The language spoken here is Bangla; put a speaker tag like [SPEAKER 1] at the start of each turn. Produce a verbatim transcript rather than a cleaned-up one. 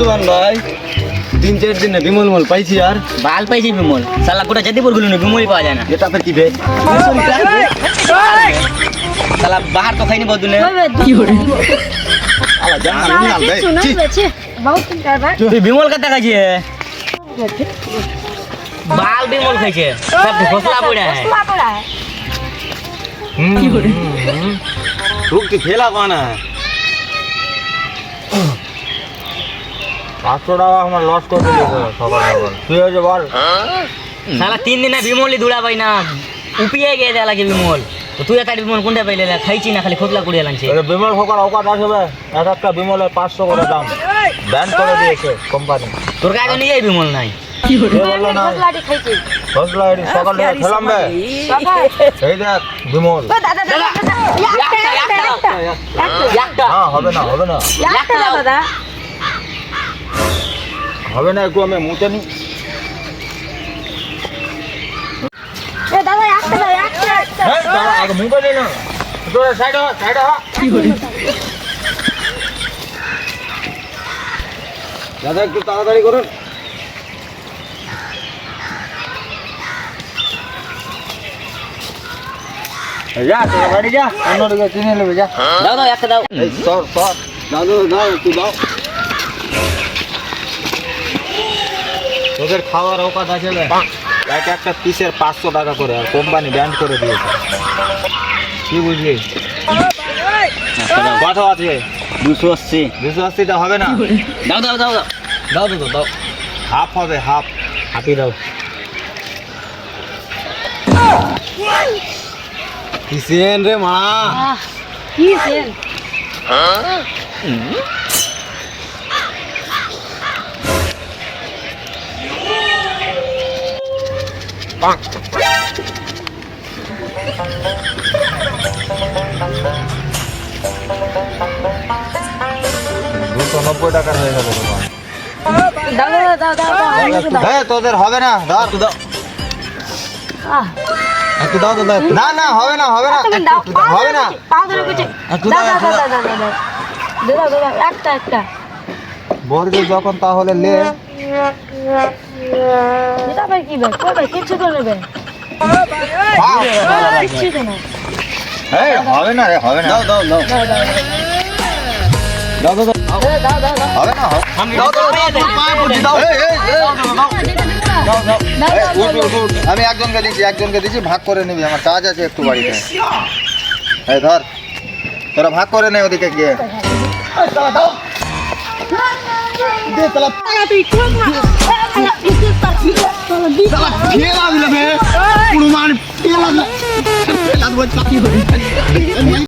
[SPEAKER 1] মান ভাই তিন চার দিনে বিমল মল পাইছি আর
[SPEAKER 2] বাল পাইছি বিমল শালা গোটা জাতিপুর গুলো বিমলই পাওয়া যায় না
[SPEAKER 1] এটা ফের কি বে
[SPEAKER 2] শালা বাহার তো খাইনি বদলে
[SPEAKER 3] কি হরে
[SPEAKER 1] আলা জানা
[SPEAKER 3] साला
[SPEAKER 1] না
[SPEAKER 3] के
[SPEAKER 1] ভাই
[SPEAKER 3] सुना बच्चे बहुत कर रहा
[SPEAKER 2] তুই বিমল কাটা খাইছে बाल बिमल खाइছে सब घोसला पड़ा है
[SPEAKER 3] घोसला पड़ा है
[SPEAKER 1] কি হরে রুক কি ফেলা কোনা পাঁচশো টাকা আমার লস করে দিয়েছে সকাল সকাল তুই হয়েছে বল
[SPEAKER 2] साला तीन दिन बिमल दुड़ा पाई ना उपिए गए जाला के बिमल तो তুই এটা বিমল কোনটা পাইলে খাইছি না খালি খোদলা কুড়িয়ে লানছে
[SPEAKER 1] বিমল সকাল অকাত আসবে এক একটা বিমলের পাঁচশো করে দাম ব্যান করে দিয়েছে কোম্পানি
[SPEAKER 2] তোর কাছে নিয়ে যাই বিমল নাই
[SPEAKER 1] কি বললো না
[SPEAKER 3] घोसला दी खाई थी
[SPEAKER 1] ঘোষলা এডি সকালে খেলাম বে
[SPEAKER 3] बाबा
[SPEAKER 1] এই দেখ বিমল
[SPEAKER 3] ओ दादा दादा একটা একটা একটা
[SPEAKER 2] একটা
[SPEAKER 1] না হবে না হবে না
[SPEAKER 3] একটা দাদা
[SPEAKER 1] হবে না একটু আমি মুতে নি
[SPEAKER 3] এ দাদা একটা দাও একটা একটা
[SPEAKER 1] হ্যাঁ দাঁড়া আগে মুতে নি না তোর সাইড হ সাইড হ কি হরি দাদা একটু তাড়াতাড়ি করুন যা তোর বাড়ি যা অন্যদিকে কিনে নেবে যা
[SPEAKER 2] দাও দাও একটা দাও
[SPEAKER 1] এই সর সর দাদু দাও একটু দাও তোদের খাওয়ার অকাত আছে রে এক একটা পিসের পাঁচশো টাকা করে আর কোম্পানি ব্যান্ড করে দিয়েছে কি বুঝলি কত আছে
[SPEAKER 2] দুশো আশি
[SPEAKER 1] দুশো আশিটা হবে না
[SPEAKER 2] দাও দাও দাও দাও
[SPEAKER 1] দাও দাও দাও হাফ হবে হাফ হাফি দাও কিসেন রে মা
[SPEAKER 3] কি সেন
[SPEAKER 1] দুশো নব্বই টাকার হয়ে যাবে তোমার
[SPEAKER 3] দাও দাও দাও দাও
[SPEAKER 1] হ্যাঁ তোদের হবে না দাও একটু দাও
[SPEAKER 3] আহ
[SPEAKER 1] একটু দাও তো দাও না না হবে না হবে না
[SPEAKER 3] তুমি দাও
[SPEAKER 1] একটু দাও, হবে না
[SPEAKER 3] পাও ধরে কিছু
[SPEAKER 1] একটু
[SPEAKER 3] দাও
[SPEAKER 1] দাও,
[SPEAKER 3] দাও
[SPEAKER 1] একটু
[SPEAKER 3] দাও দাও দাও দাও দাও দাও একটা একটা
[SPEAKER 1] বলবি যখন তাহলে লে
[SPEAKER 3] এটা ভাই কি ভাই কই ভাই কিছু তো নেবে
[SPEAKER 1] খাও।
[SPEAKER 3] কিছু তো না
[SPEAKER 1] এই হবে না রে হবে না দাও দাও দাও
[SPEAKER 3] দাও দাও
[SPEAKER 1] দাও দাও দাও
[SPEAKER 3] দাও দাও দাও
[SPEAKER 1] হবে না হবে
[SPEAKER 2] আমি
[SPEAKER 1] দাও দাও দাও দাও পায়ে পড়ছি দাও এই এই এই, দাও দাও
[SPEAKER 3] দাও,
[SPEAKER 1] এই,
[SPEAKER 3] দাও,
[SPEAKER 1] উঠ, উঠ, উঠ। আমি একজনকে দিচ্ছি একজনকে দিচ্ছি ভাগ করে নিবি আমার কাজ আছে একটু বাড়িতে এই ধর তোরা ভাগ করে নে ওদিকে গিয়ে
[SPEAKER 3] তুই ঠিক না
[SPEAKER 1] খেলা দিলে পুরো মান খেলা